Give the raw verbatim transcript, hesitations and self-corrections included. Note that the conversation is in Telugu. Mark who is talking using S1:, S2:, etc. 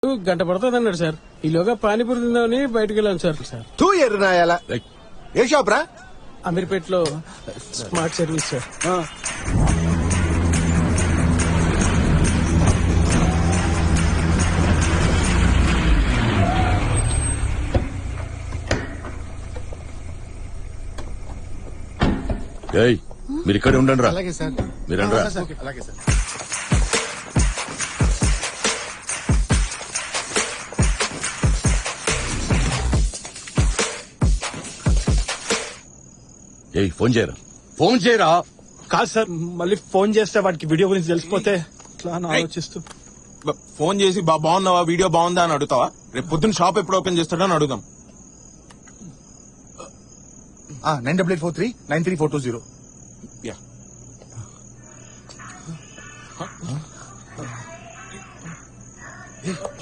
S1: గంట పడుతుంది అన్నాడు సార్. ఈలోగా పానీపూరి తిందామని బయటకు వెళ్ళాను సార్. సార్
S2: తూ ఎర్రనాయాల ఏ షాప్ రా?
S1: అమీర్పేటలో స్మార్ట్ సర్వీస్ సార్.
S3: ఏయ్ మీరు ఇక్కడే ఉండండి రా.
S2: అలాగే సార్.
S3: మీరండి రా.
S2: అలాగే సార్.
S3: ఏయ్ ఫోన్ చేయరా, ఫోన్ చేయరా.
S4: కాదు సార్, మళ్ళీ ఫోన్ చేస్తే వాడికి వీడియో గురించి తెలిసిపోతే ఇట్లా అని ఆలోచిస్తూ.
S5: బ- ఫోన్ చేసి బా బాగున్నావా, వీడియో బాగుందా అని అడుగుతావా? రేపు పొద్దున్న షాప్ ఎప్పుడు ఓపెన్ చేస్తాడో అని అడుగుదాం.
S2: Nine double eight four three nine three four two zero.
S5: Yeah